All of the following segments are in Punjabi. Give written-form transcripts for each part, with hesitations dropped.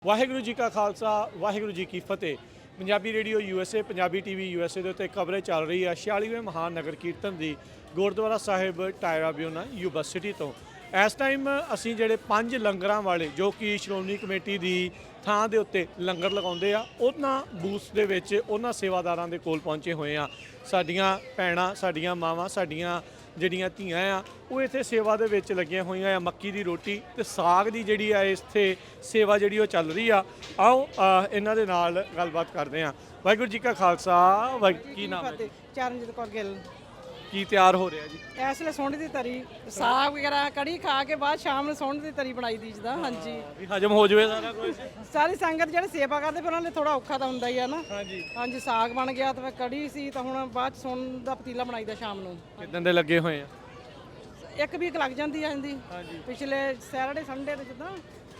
ਵਾਹਿਗੁਰੂ ਜੀ ਕਾ ਖਾਲਸਾ ਵਾਹਿਗੁਰੂ ਜੀ ਕੀ ਫਤਿਹ। Punjabi radio USA, Punjabi TV USA ਦੇ ਉੱਤੇ ਕਵਰੇਜ ਚੱਲ ਰਹੀ ਹੈ 46ਵੇਂ ਮਹਾਨ ਨਗਰ ਕੀਰਤਨ ਦੀ Gurdwara Sahib Tierra Buena Yuba City ਤੋਂ। ਇਸ ਟਾਈਮ ਅਸੀਂ ਜਿਹੜੇ 5 ਲੰਗਰਾਂ ਵਾਲੇ ਜੋ ਕਿ ਸ਼੍ਰੋਮਣੀ ਕਮੇਟੀ ਦੀ ਥਾਂ ਦੇ ਉੱਤੇ ਲੰਗਰ ਲਗਾਉਂਦੇ ਆ ਉਹਨਾਂ ਬੂਥ ਦੇ ਵਿੱਚ ਉਹਨਾਂ ਸੇਵਾਦਾਰਾਂ ਦੇ ਕੋਲ ਪਹੁੰਚੇ ਹੋਏ ਆ। ਸਾਡੀਆਂ ਭੈਣਾਂ, ਸਾਡੀਆਂ ਮਾਵਾਂ, ਸਾਡੀਆਂ ਜਿਹੜੀਆਂ ਧੀਆਂ ਆ ਉਹ ਇੱਥੇ ਸੇਵਾ ਦੇ ਵਿੱਚ ਲੱਗੀਆਂ ਹੋਈਆਂ ਆ। ਮੱਕੀ ਦੀ ਰੋਟੀ ਤੇ ਸਾਗ ਦੀ ਜਿਹੜੀ ਆ ਇੱਥੇ ਸੇਵਾ ਜਿਹੜੀ ਉਹ ਚੱਲ ਰਹੀ ਆ। ਆਓ ਇਹਨਾਂ ਦੇ ਨਾਲ ਗੱਲਬਾਤ ਕਰਦੇ ਆ। ਵਾਹਿਗੁਰੂ ਜੀ ਕਾ ਖਾਲਸਾ। ਕੀ ਨਾਮ ਹੈ? ਚਰਨਜੀਤ ਕੌਰ ਗਿੱਲ। ਕੀ ਤਿਆਰ ਹੋ ਰਿਹਾ ਜੀ? ਇਸ ਵੇਲੇ ਸੁੰਡ ਦੀ ਤਰੀ, ਸਾਗ ਵਗੈਰਾ ਕੜੀ ਖਾ ਕੇ ਬਾਅਦ ਸ਼ਾਮ ਨੂੰ ਸੁੰਡ ਦੀ ਤਰੀ ਬਣਾਈ ਦੀ ਜਿੱਦਾਂ। ਹਾਂਜੀ, ਵੀ ਹਜਮ ਹੋ ਜਾਵੇ ਸਾਰਾ ਕੁਝ। ਸਾਰੀ ਸੰਗਤ ਜਿਹੜੇ ਸੇਵਾ ਕਰਦੇ ਫਿਰ ਉਹਨਾਂ ਲਈ ਥੋੜਾ ਔਖਾ ਤਾਂ ਹੁੰਦਾ ਹੀ ਆ ਨਾ। ਹਾਂਜੀ ਹਾਂਜੀ, ਸਾਗ ਬਣ ਗਿਆ ਤੇ ਫਿਰ ਕੜੀ ਸੀ ਤਾਂ ਹੁਣ ਬਾਅਦ ਸੁੰਡ ਦਾ ਪਤੀਲਾ ਬਣਾਈਦਾ ਸ਼ਾਮ ਨੂੰ। ਕਿਦਾਂ ਦੇ ਲੱਗੇ ਹੋਏ ਆ? ਇੱਕ ਵੀਕ ਲੱਗ ਜਾਂਦੀ ਆ ਇਹਦੀ। ਪਿਛਲੇ ਸੈਟਰਡੇ ਸੰਡੇ ਤੇ ਜਿੱਦਾਂ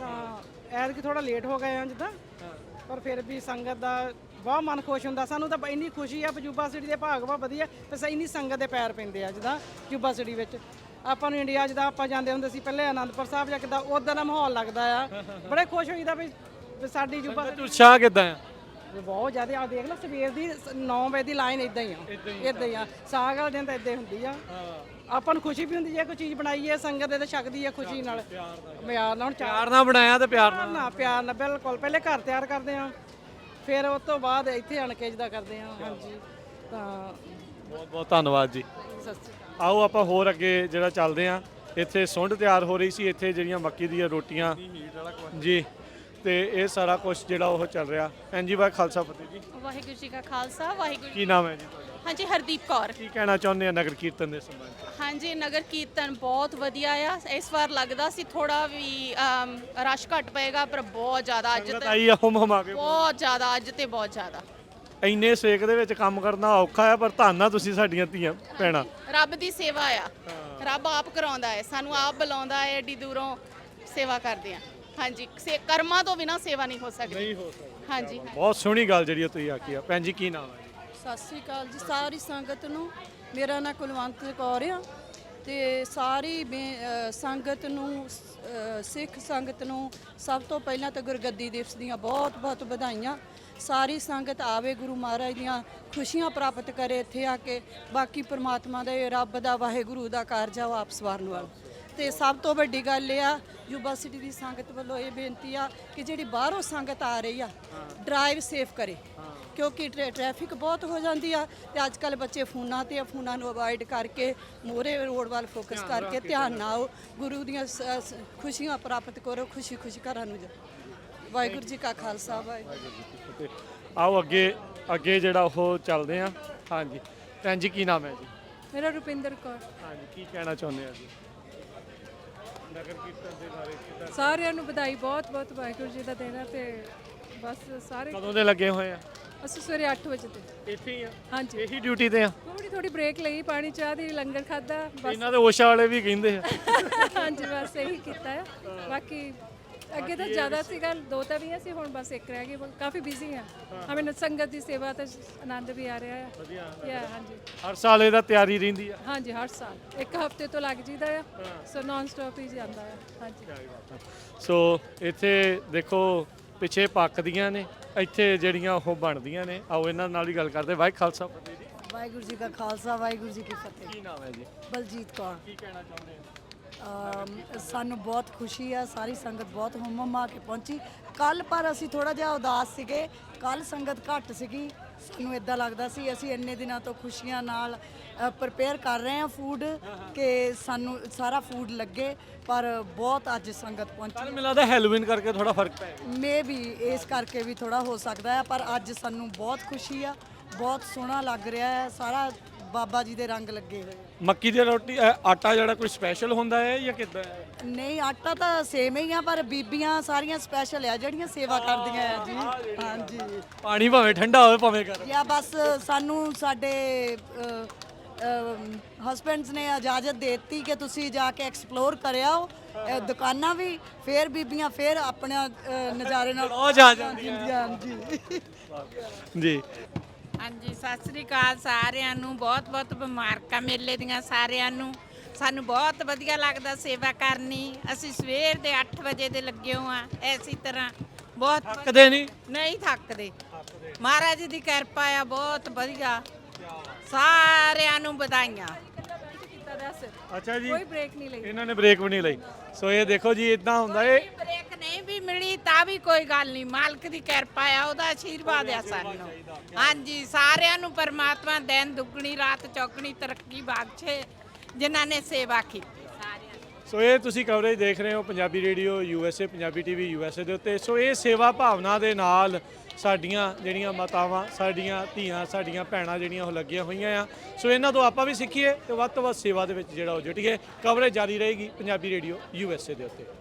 ਤਾਂ ਐਤਕੀ ਥੋੜਾ ਲੇਟ ਹੋ ਗਏ ਆ ਜਿੱਦਾਂ, ਪਰ ਫਿਰ ਵੀ ਸੰਗਤ ਦਾ ਬਹੁਤ ਮਨ ਖੁਸ਼ ਹੁੰਦਾ। ਸਾਨੂੰ ਤਾਂ ਇੰਨੀ ਖੁਸ਼ੀ ਆ ਯੂਬਾ ਸਿਟੀ ਦੇ ਭਾਗ ਵਾ ਵਧੀਆ ਤੇ ਇੰਨੀ ਸੰਗਤ ਦੇ ਪੈਰ ਪੈਂਦੇ ਆ ਜਿੱਦਾਂ ਯੂਬਾ ਸਿਟੀ ਵਿੱਚ। ਆਪਾਂ ਨੂੰ ਇੰਡੀਆ ਜਿੱਦਾਂ ਆਪਾਂ ਜਾਂਦੇ ਹੁੰਦੇ ਸੀ ਪਹਿਲੇ ਅਨੰਦਪੁਰ ਸਾਹਿਬ ਜਾਂ ਕਿੱਦਾਂ ਉੱਦਾਂ ਦਾ ਮਾਹੌਲ ਲੱਗਦਾ ਆ। ਬੜੇ ਖੁਸ਼ ਹੋਈਦਾ ਵੀ ਸਾਡੀ ਯੂਬਾ ਸਿਟੀ ਉਤਸ਼ਾਹ ਕਿਦਾਂ ਆ? ਬਹੁਤ ਜ਼ਿਆਦਾ। ਆ ਦੇਖ ਲਓ ਸਵੇਰ ਦੀ 9 ਵਜੇ ਦੀ ਲਾਈਨ ਇਦਾਂ ਹੀ ਆ। ਸਾਗ ਵਾਲੇ ਦਿਨ ਤਾਂ ਇਦਾਂ ਹੁੰਦੀ ਆ। ਆਪਾਂ ਨੂੰ ਖੁਸ਼ੀ ਵੀ ਹੁੰਦੀ ਜੇ ਕੋਈ ਚੀਜ਼ ਬਣਾਈ ਹੈ ਸੰਗਤ ਦੇ ਤੇ ਛਕਦੀ ਹੈ ਖੁਸ਼ੀ ਨਾਲ, ਪਿਆਰ ਨਾਲ। ਪਿਆਰ ਨਾਲ ਬਣਾਇਆ ਤੇ ਪਿਆਰ ਨਾਲ ਪਿਆਰ ਨਾਲ ਬਿਲਕੁਲ। ਪਹਿਲੇ ਘਰ ਤਿਆਰ ਕਰਦੇ ਆ, ਫਿਰ ਉਸ ਤੋਂ ਬਾਅਦ ਇੱਥੇ ਆਣ ਕੇ ਜਿੱਦਾਂ ਕਰਦੇ ਆ। ਹਾਂਜੀ, ਤਾਂ ਬਹੁਤ ਬਹੁਤ ਧੰਨਵਾਦ ਜੀ। ਸਤਿ ਸ਼੍ਰੀ ਅਕਾਲ। ਆਓ ਆਪਾਂ ਹੋਰ ਅੱਗੇ ਜਿਹੜਾ ਚੱਲਦੇ ਆ। ਇੱਥੇ ਸੁੰਡ ਤਿਆਰ ਹੋ ਰਹੀ ਸੀ, ਇੱਥੇ ਜਿਹੜੀਆਂ ਮੱਕੀ ਦੀਆਂ ਰੋਟੀਆਂ ਜੀ ਤੇ ਇਹ ਸਾਰਾ ਕੁਝ ਜਿਹੜਾ ਉਹ ਚੱਲ ਰਿਹਾ। ਹਾਂਜੀ, ਵਾਹਿ ਖਾਲਸਾ ਫਤਿਹ ਜੀ। ਵਾਹਿਗੁਰੂ ਜੀ ਕਾ ਖਾਲਸਾ ਵਾਹਿਗੁਰੂ। ਕੀ ਨਾਮ ਹੈ ਜੀ ਤੁਹਾਡਾ? ਹਾਂਜੀ, ਹਰਦੀਪ ਕੌਰ। ਕੀ ਕਹਿਣਾ ਚਾਹੁੰਦੇ ਆ ਨਗਰ ਕੀਰਤਨ ਦੇ ਸੰਬੰਧ ਵਿੱਚ? ਹਾਂਜੀ, ਨਗਰ ਕੀਰਤਨ ਬਹੁਤ ਵਧੀਆ ਆ। ਇਸ ਵਾਰ ਲੱਗਦਾ ਸੀ ਥੋੜਾ ਵੀ ਰਸ਼ ਘੱਟ ਪਏਗਾ, ਪਰ ਬਹੁਤ ਜ਼ਿਆਦਾ ਅੱਜ ਸੰਗਤ ਤੇ ਆਈ ਆ ਹਮਾ ਕੇ। ਬਹੁਤ ਜ਼ਿਆਦਾ, ਅੱਜ ਤੇ ਬਹੁਤ ਜ਼ਿਆਦਾ। ਇੰਨੇ ਸੇਕ ਦੇ ਵਿੱਚ ਕੰਮ ਕਰਨਾ ਔਖਾ ਆ, ਪਰ ਧੰਨ ਆ ਤੁਸੀਂ ਸਾਡੀਆਂ ਧੀਆਂ ਭੈਣਾਂ। ਰੱਬ ਦੀ ਸੇਵਾ ਆ। ਰੱਬ ਆਪ ਕਰਾਉਂਦਾ ਹੈ, ਸਾਨੂੰ ਆਪ ਬੁਲਾਉਂਦਾ ਹੈ, ਏਡੀ ਦੂਰੋਂ ਸੇਵਾ ਕਰਦੇ ਆ। ਹਾਂਜੀ, ਕਰਮਾਂ ਤੋਂ ਬਿਨਾਂ ਸੇਵਾ ਨਹੀਂ ਹੋ ਸਕਦੀ। ਨਹੀਂ ਹੋ ਸਕਦਾ। ਹਾਂਜੀ, ਬਹੁਤ ਸੋਹਣੀ ਗੱਲ ਜਿਹੜੀ ਤੁਸੀਂ ਆਖੀ ਆ। ਭੈਣ ਜੀ ਕੀ ਨਾਮ ਹੈ ਜੀ? ਸਤਿ ਸ੍ਰੀ ਅਕਾਲ ਜੀ ਸਾਰੀ ਸੰਗਤ ਨੂੰ। ਮੇਰਾ ਨਾਂ ਕੁਲਵੰਤ ਕੌਰ ਆ ਤੇ ਸਾਰੀ ਸੰਗਤ ਨੂੰ, ਸਿੱਖ ਸੰਗਤ ਨੂੰ ਸਭ ਤੋਂ ਪਹਿਲਾਂ ਤਾਂ ਗੁਰਗੱਦੀ ਦਿਵਸ ਦੀਆਂ ਬਹੁਤ ਬਹੁਤ ਵਧਾਈਆਂ। ਸਾਰੀ ਸੰਗਤ ਆਵੇ, ਗੁਰੂ ਮਹਾਰਾਜ ਦੀਆਂ ਖੁਸ਼ੀਆਂ ਪ੍ਰਾਪਤ ਕਰੇ ਇੱਥੇ ਆ ਕੇ। ਬਾਕੀ ਪ੍ਰਮਾਤਮਾ ਦੇ, ਰੱਬ ਦਾ, ਵਾਹਿਗੁਰੂ ਦਾ ਕਾਰਜ ਆ ਉਹ ਆਪ ਸਵਾਰਨ ਵਾਲਾ। ਤੇ ਸਭ ਤੋਂ ਵੱਡੀ ਗੱਲ ਇਹ ਆ ਯੂਬਾ ਸਿਟੀ ਦੀ ਸੰਗਤ ਵੱਲੋਂ ਇਹ ਬੇਨਤੀ ਆ ਕਿ ਜਿਹੜੀ ਬਾਹਰੋਂ ਸੰਗਤ ਆ ਰਹੀ ਆ ਡਰਾਈਵ ਸੇਫ ਕਰੇ, ਕਿਉਂਕਿ ਟ੍ਰੈਫਿਕ ਬਹੁਤ ਹੋ ਜਾਂਦੀ ਆ ਤੇ ਅੱਜ ਕੱਲ ਬੱਚੇ ਫੋਨਾਂ ਤੇ ਆ। ਫੋਨਾਂ ਨੂੰ ਅਵਾਇਡ ਕਰਕੇ ਮੋਰੇ ਰੋਡ ਵੱਲ ਫੋਕਸ ਕਰਕੇ ਧਿਆਨ ਨਾਲ ਆਓ, ਗੁਰੂ ਦੀਆਂ ਖੁਸ਼ੀਆਂ ਪ੍ਰਾਪਤ ਕਰੋ, ਖੁਸ਼ੀ ਖੁਸ਼ੀ ਘਰਾਂ ਨੂੰ ਜਾਓ। ਵਾਹਿਗੁਰੂ ਜੀ ਕਾ ਖਾਲਸਾ ਵਾਹਿਗੁਰੂ। ਆਓ ਅੱਗੇ ਜਿਹੜਾ ਉਹ ਚੱਲਦੇ ਆ। ਹਾਂਜੀ, ਭੈਣ ਜੀ ਕੀ ਨਾਮ ਹੈ ਜੀ? ਮੇਰਾ ਰੁਪਿੰਦਰ ਕੌਰ। ਹਾਂਜੀ, ਕੀ ਕਹਿਣਾ ਚਾਹੁੰਦੇ ਆ ਜੀ ਨਗਰ ਕੀਰਤਨ ਦੇ ਬਾਰੇ? ਕਿੱਦਾਂ ਸਾਰਿਆਂ ਨੂੰ ਵਧਾਈ, ਬਹੁਤ ਬਹੁਤ ਵਾਹਿਗੁਰੂ ਜੀ ਦਾ ਦੇਣਾ। ਤੇ ਬਸ ਸਾਰੇ ਕਦੋਂ ਦੇ ਲੱਗੇ ਹੋਏ ਆ? ਅਸੀਂ ਸਵੇਰੇ 8 ਵਜੇ ਤੇ ਇੱਥੇ ਹੀ ਆ? ਹਾਂਜੀ, ਇਹੀ ਡਿਊਟੀ ਤੇ ਆ? ਥੋੜੀ ਬ੍ਰੇਕ ਲਈ, ਪਾਣੀ ਚਾਹ ਦੀ, ਲੰਗਰ ਖਾਦਾ ਬਸ। ਇਹਨਾਂ ਦੇ ਓਸ਼ਾ ਵਾਲੇ ਵੀ ਕਹਿੰਦੇ ਆ। ਹਾਂਜੀ, ਬਸ ਇਹੀ ਕੀਤਾ ਹੈ। ਬਾਕੀ ਅੱਗੇ ਤਾਂ ਜ਼ਿਆਦਾ ਸੀਗਾ, 2 ਤਾਂ ਵੀ ਸੀ, ਹੁਣ ਬਸ 1 ਰਹਿ ਗਈ। ਕਾਫੀ ਬਿਜ਼ੀ ਆ। ਹਮੇਂ ਸੰਗਤ ਦੀ ਸੇਵਾ ਤੇ ਆਨੰਦ ਵੀ ਆ ਰਿਹਾ ਹੈ। ਵਧੀਆ। ਹਾਂਜੀ, ਹਰ ਸਾਲ ਇਹਦਾ ਤਿਆਰੀ ਰਹਿੰਦੀ ਆ? ਹਾਂਜੀ, ਹਰ ਸਾਲ 1 ਹਫ਼ਤੇ ਤੋਂ ਲੱਗ ਜੀਦਾ ਆ। ਸੋ ਨਾਨ ਸਟਾਪ ਹੀ ਜਾਂਦਾ ਹੈ। ਹਾਂਜੀ, ਸੋ ਇੱਥੇ ਦੇਖੋ ਪਿੱਛੇ ਪੱਕਦੀਆਂ ਨੇ, ਇੱਥੇ ਜਿਹੜੀਆਂ ਉਹ ਬਣਦੀਆਂ ਨੇ। ਆਓ ਇਹਨਾਂ ਨਾਲ ਹੀ ਗੱਲ ਕਰਦੇ। ਵਾਹਿ ਖਾਲਸਾ ਫਤਿਹ ਜੀ। ਵਾਹਿਗੁਰੂ ਜੀ ਕਾ ਖਾਲਸਾ ਵਾਹਿਗੁਰੂ ਜੀ ਕੀ ਫਤਿਹ। ਕੀ ਨਾਮ ਹੈ ਜੀ? ਬਲਜੀਤ ਕੌਰ। ਕੀ ਕਹਿਣਾ ਚਾਹੁੰਦੇ ਆ? ਸਾਨੂੰ ਬਹੁਤ ਖੁਸ਼ੀ ਆ, ਸਾਰੀ ਸੰਗਤ ਬਹੁਤ ਹੁਮਾ ਕੇ ਪਹੁੰਚੀ ਕੱਲ, ਪਰ ਅਸੀਂ ਥੋੜਾ ਜਿਹਾ ਉਦਾਸ ਸੀਗੇ। ਕੱਲ ਸੰਗਤ ਘੱਟ ਸੀਗੀ, ਸਾਨੂੰ ਇਦਾਂ ਲੱਗਦਾ ਸੀ ਅਸੀਂ ਇੰਨੇ ਦਿਨਾਂ ਤੋਂ ਖੁਸ਼ੀਆਂ ਨਾਲ ਪ੍ਰਪੇਅਰ ਕਰ ਰਹੇ ਹਾਂ ਫੂਡ ਕਿ ਸਾਨੂੰ ਸਾਰਾ ਫੂਡ ਲੱਗੇ, ਪਰ ਬਹੁਤ ਅੱਜ ਸੰਗਤ ਪਹੁੰਚੀ। ਮੈਨੂੰ ਲੱਗਦਾ ਹੈਲੋਵੀਨ ਕਰਕੇ ਥੋੜਾ ਫਰਕ ਪੈ ਗਿਆ। ਮੇ ਵੀ ਇਸ ਕਰਕੇ ਵੀ ਥੋੜਾ ਹੋ ਸਕਦਾ ਹੈ, ਪਰ ਅੱਜ ਸਾਨੂੰ ਬਹੁਤ ਖੁਸ਼ੀ ਆ। ਬਹੁਤ ਸੋਹਣਾ ਲੱਗ ਰਿਹਾ ਹੈ, ਸਾਰਾ ਬਾਬਾ ਜੀ ਦੇ ਰੰਗ ਲੱਗੇ ਹੋਏ। ਮੱਕੀ ਦੀ ਰੋਟੀ ਆਟਾ ਜਿਹੜਾ ਕੋਈ ਸਪੈਸ਼ਲ ਹੁੰਦਾ ਹੈ ਜਾਂ ਕਿੱਦਾਂ ਹੈ? ਨਹੀਂ, ਆਟਾ ਤਾਂ ਸੇਮ ਹੀ ਆ, ਪਰ ਬੀਬੀਆਂ ਸਾਰੀਆਂ ਸਪੈਸ਼ਲ ਆ ਜਿਹੜੀਆਂ ਸੇਵਾ ਕਰਦੀਆਂ ਆ ਜੀ। ਹਾਂਜੀ, ਪਾਣੀ ਭਾਵੇਂ ਠੰਡਾ ਹੋਵੇ ਭਾਵੇਂ ਗਰਮ। ਜਾਂ ਬਸ ਸਾਨੂੰ ਸਾਡੇ ਹਸਬੈਂਡਸ ਨੇ ਇਜਾਜ਼ਤ ਦੇ ਦਿੱਤੀ ਕਿ ਤੁਸੀਂ ਜਾ ਕੇ ਐਕਸਪਲੋਰ ਕਰਿਆਓ ਦੁਕਾਨਾਂ ਵੀ, ਫਿਰ ਬੀਬੀਆਂ ਫਿਰ ਆਪਣਾ ਨਜ਼ਾਰੇ ਨਾਲ ਉਹ ਜਾ ਜੀ। ਜੀ ਹਾਂਜੀ, ਸਤਿ ਸ੍ਰੀ ਅਕਾਲ ਸਾਰਿਆਂ ਨੂੰ। ਬਹੁਤ ਬਹੁਤ ਮੁਬਾਰਕਾਂ ਮੇਲੇ ਦੀਆਂ ਸਾਰਿਆਂ ਨੂੰ। ਸਾਨੂੰ ਬਹੁਤ ਵਧੀਆ ਲੱਗਦਾ ਸੇਵਾ ਕਰਨੀ। ਅਸੀਂ ਸਵੇਰ ਦੇ 8 ਵਜੇ ਦੇ ਲੱਗੇ ਹੋਏ ਆ। ਇਸੇ ਤਰ੍ਹਾਂ ਬਹੁਤ ਥੱਕਦੇ ਨਹੀਂ? ਨਹੀਂ ਥੱਕਦੇ। ਮਹਾਰਾਜ ਦੀ ਕਿਰਪਾ ਆ, ਬਹੁਤ ਵਧੀਆ। ਸਾਰਿਆਂ ਨੂੰ ਵਧਾਈਆਂ। ਅੱਛਾ ਜੀ, ਕੋਈ ਬ੍ਰੇਕ ਨਹੀਂ ਲਈ। ਇਹਨਾਂ ਨੇ ਬ੍ਰੇਕ ਵੀ ਨਹੀਂ ਲਈ। ਸੋ ਇਹ ਦੇਖੋ ਜੀ, ਇਦਾਂ ਹੁੰਦਾ ਏ। ਬ੍ਰੇਕ ਨਹੀਂ ਵੀ ਮਿਲੀ ਤਾਂ ਵੀ ਕੋਈ ਗੱਲ ਨਹੀਂ, ਮਾਲਕ ਦੀ ਕਿਰਪਾ ਆ, ਉਹਦਾ ਆਸ਼ੀਰਵਾਦ ਆ ਸਾਨੂੰ। ਹਾਂਜੀ, ਸਾਰਿਆਂ ਨੂੰ ਪਰਮਾਤਮਾ ਦਿਨ ਦੁੱਗਣੀ ਰਾਤ ਚੌਗਣੀ ਤਰੱਕੀ ਬਖਸ਼ੇ ਜਿਨ੍ਹਾਂ ਨੇ ਸੇਵਾ ਕੀਤੀ ਸਾਰਿਆਂ ਦੀ। ਸੋ ਇਹ ਤੁਸੀਂ ਕਵਰੇਜ ਦੇਖ ਰਹੇ ਹੋ Punjabi radio USA, Punjabi TV USA ਦੇ ਉੱਤੇ। ਸੋ ਇਹ ਸੇਵਾ ਭਾਵਨਾ ਦੇ ਨਾਲ ਸਾਡੀਆਂ ਜਿਹੜੀਆਂ ਮਾਤਾਵਾਂ, ਸਾਡੀਆਂ ਧੀਆਂ, ਸਾਡੀਆਂ ਭੈਣਾਂ ਜਿਹੜੀਆਂ ਉਹ ਲੱਗੀਆਂ ਹੋਈਆਂ ਆ। ਸੋ ਇਹਨਾਂ ਤੋਂ ਆਪਾਂ ਵੀ ਸਿੱਖੀਏ ਤੇ ਵੱਧ ਤੋਂ ਵੱਧ ਸੇਵਾ ਦੇ ਵਿੱਚ ਜਿਹੜਾ ਉਹ ਜੁਟੀਏ। ਕਵਰੇਜ ਜਾਰੀ ਰਹੇਗੀ ਪੰਜਾਬੀ ਰੇਡੀਓ USA ਦੇ ਉੱਤੇ।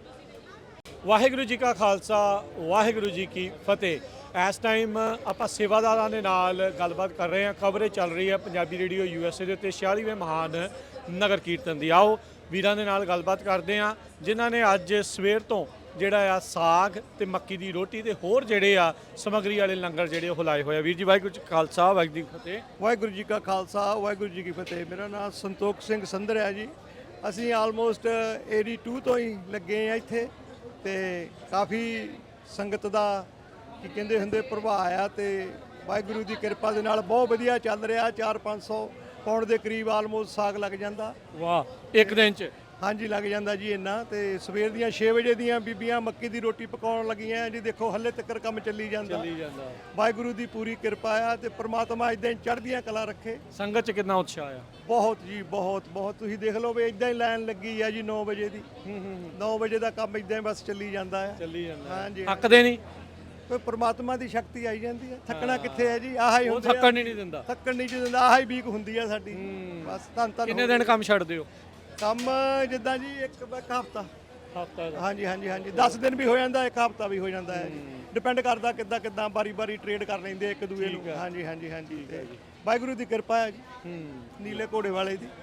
ਵਾਹਿਗੁਰੂ ਜੀ ਕਾ ਖਾਲਸਾ, ਵਾਹਿਗੁਰੂ ਜੀ ਕੀ ਫਤਿਹ। ਇਸ ਟਾਈਮ ਆਪਾਂ ਸੇਵਾਦਾਰਾਂ ਦੇ ਨਾਲ ਗੱਲਬਾਤ ਕਰ ਰਹੇ ਹਾਂ। ਕਵਰੇਜ ਚੱਲ ਰਹੀ ਹੈ ਪੰਜਾਬੀ ਰੇਡੀਓ USA ਦੇ ਉੱਤੇ 46ਵੇਂ ਮਹਾਨ ਨਗਰ ਕੀਰਤਨ ਦੀ। ਆਓ ਵੀਰਾਂ ਦੇ ਨਾਲ ਗੱਲਬਾਤ ਕਰਦੇ ਹਾਂ ਜਿਨ੍ਹਾਂ ਨੇ ਅੱਜ ਸਵੇਰ ਤੋਂ ਜਿਹੜਾ ਆ ਸਾਗ ਤੇ ਮੱਕੀ ਦੀ ਰੋਟੀ ਤੇ ਹੋਰ ਜਿਹੜੇ ਆ ਸਮੱਗਰੀ ਵਾਲੇ ਲੰਗਰ ਜਿਹੜੇ ਉਹ ਲਾਏ ਹੋਏ ਆ। ਵੀਰ ਜੀ ਵਾਹਿਗੁਰੂ ਜੀ ਕਾ ਖਾਲਸਾ, ਵਾਹਿਗੁਰੂ ਜੀ ਕੀ ਫਤਿਹ। ਵਾਹਿਗੁਰੂ ਜੀ ਕਾ ਖਾਲਸਾ, ਵਾਹਿਗੁਰੂ ਜੀ ਕੀ ਫਤਿਹ। ਮੇਰਾ ਨਾਮ ਸੰਤੋਖ ਸਿੰਘ ਸੰਧਰ ਹੈ ਜੀ। ਅਸੀਂ ਆਲਮੋਸਟ 82 ਤੋਂ ਹੀ ਲੱਗੇ ਆ ਇੱਥੇ ਤੇ ਕਾਫੀ ਸੰਗਤ ਦਾ ਕੀ ਕਹਿੰਦੇ ਹੁੰਦੇ ਪ੍ਰਭਾਵ ਆ ਤੇ ਵਾਹਿਗੁਰੂ ਦੀ ਕਿਰਪਾ ਦੇ ਨਾਲ ਬਹੁਤ ਵਧੀਆ ਚੱਲ ਰਿਹਾ। 400-500 ਪੌਂਡ ਦੇ ਕਰੀਬ ਆਲਮੋਸਟ ਸਾਗ ਲੱਗ ਜਾਂਦਾ। ਵਾਹ, ਇੱਕ ਦਿਨ 'ਚ? ਹਾਂਜੀ, ਲੱਗ ਜਾਂਦਾ ਜੀ ਇੰਨਾ। ਤੇ ਸਵੇਰ ਦੀਆਂ 6 ਵਜੇ ਦੀਆਂ ਬੀਬੀਆਂ ਮੱਕੀ ਦੀ ਰੋਟੀ ਪਕਾਉਣ ਲੱਗੀਆਂ ਜੀ। ਦੇਖੋ ਹੱਲੇ ਤੱਕ ਕੰਮ ਚੱਲੀ ਜਾਂਦਾ। ਵਾਹਿਗੁਰੂ ਦੀ ਪੂਰੀ ਕਿਰਪਾ ਆ ਤੇ ਪ੍ਰਮਾਤਮਾ ਇਦਾਂ ਹੀ ਚੜ੍ਹਦੀਆਂ ਕਲਾ ਰੱਖੇ। ਸੰਗਤ 'ਚ ਕਿੰਨਾ ਉਤਸ਼ਾਹ ਆ? ਬਹੁਤ ਜੀ, ਬਹੁਤ ਬਹੁਤ। ਤੁਸੀਂ ਦੇਖ ਲਓ ਵੀ ਇਦਾਂ ਹੀ ਲਾਈਨ ਲੱਗੀ ਆ ਜੀ 9 ਵਜੇ ਦੀ। 9 ਵਜੇ ਦਾ ਕੰਮ ਇਦਾਂ ਹੀ ਬਸ ਚੱਲੀ ਜਾਂਦਾ ਆ। ਹਾਂਜੀ, ਥੱਕਦੇ ਨਹੀਂ? ਕੋਈ ਪ੍ਰਮਾਤਮਾ ਦੀ ਸ਼ਕਤੀ ਆਈ ਜਾਂਦੀ ਹੈ। ਥੱਕਣਾ ਕਿੱਥੇ ਹੈ ਜੀ? ਆਹ ਹੀ ਉਹ ਹੁੰਦੇ ਆ। ਥੱਕਣ ਹੀ ਨਹੀਂ ਦਿੰਦਾ। ਥੱਕਣ ਨਹੀਂ ਦਿੰਦਾ, ਆਹ ਹੀ ਵੀਕ ਹੁੰਦੀ ਆ ਸਾਡੀ। ਬਸ ਧੰਨ ਧੰਨ। ਕਿੰਨੇ ਦਿਨ ਕੰਮ ਛੱਡਦੇ ਹੋ? ਕੰਮ ਜਿੱਦਾਂ ਜੀ ਇੱਕ ਹਫਤਾ। ਹਫਤਾ ਦਾ? ਹਾਂਜੀ ਹਾਂਜੀ ਹਾਂਜੀ, 10 ਦਿਨ ਵੀ ਹੋ ਜਾਂਦਾ, ਇੱਕ ਹਫਤਾ ਵੀ ਹੋ ਜਾਂਦਾ ਹੈ। ਡਿਪੈਂਡ ਕਰਦਾ ਕਿੱਦਾਂ ਬਾਰੀ ਟ੍ਰੇਡ ਕਰ ਲੈਂਦੇ ਇੱਕ ਦੂਏ ਨੂੰ। ਹਾਂਜੀ ਹਾਂਜੀ ਹਾਂਜੀ, ਤੇ ਵਾਹਿਗੁਰੂ ਦੀ ਕਿਰਪਾ ਹੈ ਜੀ, ਨੀਲੇ ਘੋੜੇ ਵਾਲੇ ਦੀ।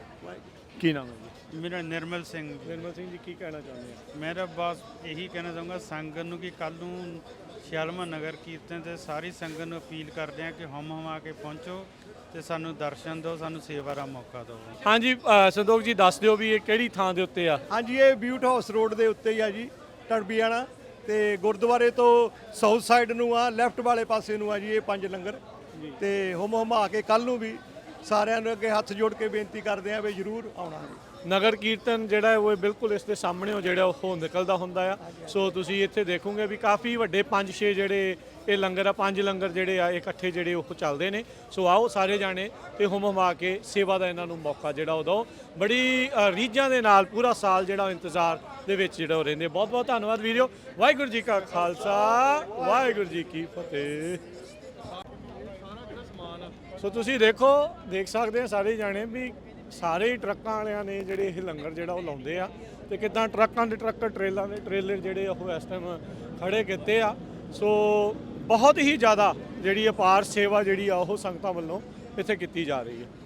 ਕੀ ਨਾਮ ਹੈ ਜੀ? ਮੇਰਾ ਨਿਰਮਲ ਸਿੰਘ ਜੀ। ਨਿਰਮਲ ਸਿੰਘ ਜੀ, ਕੀ ਕਹਿਣਾ ਚਾਹੁੰਦੇ ਆ? ਮੇਰਾ ਬਸ ਇਹੀ ਕਹਿਣਾ ਚਾਹੂੰਗਾ ਸੰਗਤ ਨੂੰ ਕਿ ਕੱਲ ਨੂੰ 46ਵਾਂ ਨਗਰ ਕੀਰਤਨ ਤੇ ਸਾਰੀ ਸੰਗਤ ਨੂੰ ਅਪੀਲ ਕਰਦੇ ਹਾਂ ਕਿ ਹਮ ਆ ਕੇ ਪਹੁੰਚੋ ਤੇ ਸਾਨੂੰ ਦਰਸ਼ਨ ਦਿਓ, ਸਾਨੂੰ ਸੇਵਾ ਦਾ ਮੌਕਾ ਦਿਓ। ਹਾਂਜੀ, ਸੰਤੋਖ ਜੀ ਦੱਸ ਦਿਓ ਵੀ ਇਹ ਕਿਹੜੀ ਥਾਂ ਦੇ ਉੱਤੇ ਆ? ਹਾਂਜੀ, ਇਹ ਬਿਊਟ ਹਾਊਸ ਰੋਡ ਦੇ ਉੱਤੇ ਹੀ ਆ ਜੀ, ਟੜਬੀਆਣਾ। ਤੇ ਗੁਰਦੁਆਰੇ ਤੋਂ ਸਾਊਥ ਸਾਈਡ ਨੂੰ ਆ, ਲੈਫਟ ਵਾਲੇ ਪਾਸੇ ਨੂੰ ਆ ਜੀ ਇਹ 5 ਲੰਗਰ। ਤੇ ਹੁਮਾ ਕੇ ਕੱਲ ਨੂੰ ਵੀ ਸਾਰਿਆਂ ਨੂੰ ਅੱਗੇ ਹੱਥ ਜੋੜ ਕੇ ਬੇਨਤੀ ਕਰਦੇ ਆ ਵੀ ਜ਼ਰੂਰ ਆਉਣਾ ਜੀ। ਨਗਰ ਕੀਰਤਨ ਜਿਹੜਾ ਹੈ ਉਹ ਬਿਲਕੁਲ ਇਸ ਦੇ ਸਾਹਮਣੇ ਉਹ ਜਿਹੜਾ ਉਹ ਨਿਕਲਦਾ ਹੁੰਦਾ ਆ। ਸੋ ਤੁਸੀਂ ਇੱਥੇ ਦੇਖੋਗੇ ਵੀ ਕਾਫੀ ਵੱਡੇ 5-6 ਜਿਹੜੇ ਇਹ ਲੰਗਰ ਆ, 5 ਲੰਗਰ ਜਿਹੜੇ ਆ ਇਕੱਠੇ ਜਿਹੜੇ ਉਹ ਚੱਲਦੇ ਨੇ। ਸੋ ਆਓ ਸਾਰੇ ਜਾਣੇ ਤੇ ਹੁਮਾ ਕੇ ਸੇਵਾ ਦਾ ਇਹਨਾਂ ਨੂੰ ਮੌਕਾ ਜਿਹੜਾ ਉਹ ਦਿਓ। ਬੜੀ ਰੀਝਾਂ ਦੇ ਨਾਲ ਪੂਰਾ ਸਾਲ ਜਿਹੜਾ ਇੰਤਜ਼ਾਰ ਦੇ ਵਿੱਚ ਜਿਹੜਾ ਉਹ ਰਹਿੰਦੇ। ਬਹੁਤ ਬਹੁਤ ਧੰਨਵਾਦ ਵੀਡੀਓ। ਵਾਹਿਗੁਰੂ ਜੀ ਕਾ ਖਾਲਸਾ, ਵਾਹਿਗੁਰੂ ਜੀ ਕੀ ਫਤਿਹ। ਸੋ ਤੁਸੀਂ ਦੇਖ ਸਕਦੇ ਆ ਸਾਰੇ ਜਾਣੇ ਵੀ ਸਾਰੇ ਹੀ ਟਰੱਕਾਂ ਵਾਲਿਆਂ ਨੇ ਜਿਹੜੇ ਇਹ ਲੰਗਰ ਜਿਹੜਾ ਉਹ ਲਾਉਂਦੇ ਆ ਤੇ ਕਿੱਦਾਂ ਟਰੱਕਾਂ ਦੇ ਟਰੱਕ, ਟ੍ਰੇਲਾਂ ਦੇ ਟ੍ਰੇਲਰ ਜਿਹੜੇ ਉਹ ਇਸ ਟਾਈਮ ਖੜੇ ਕੀਤੇ ਆ। ਸੋ ਬਹੁਤ ਹੀ ਜ਼ਿਆਦਾ ਜਿਹੜੀ ਅਪਾਰ ਸੇਵਾ ਜਿਹੜੀ ਆ ਉਹ ਸੰਗਤਾਂ ਵੱਲੋਂ ਇੱਥੇ ਕੀਤੀ ਜਾ ਰਹੀ ਹੈ।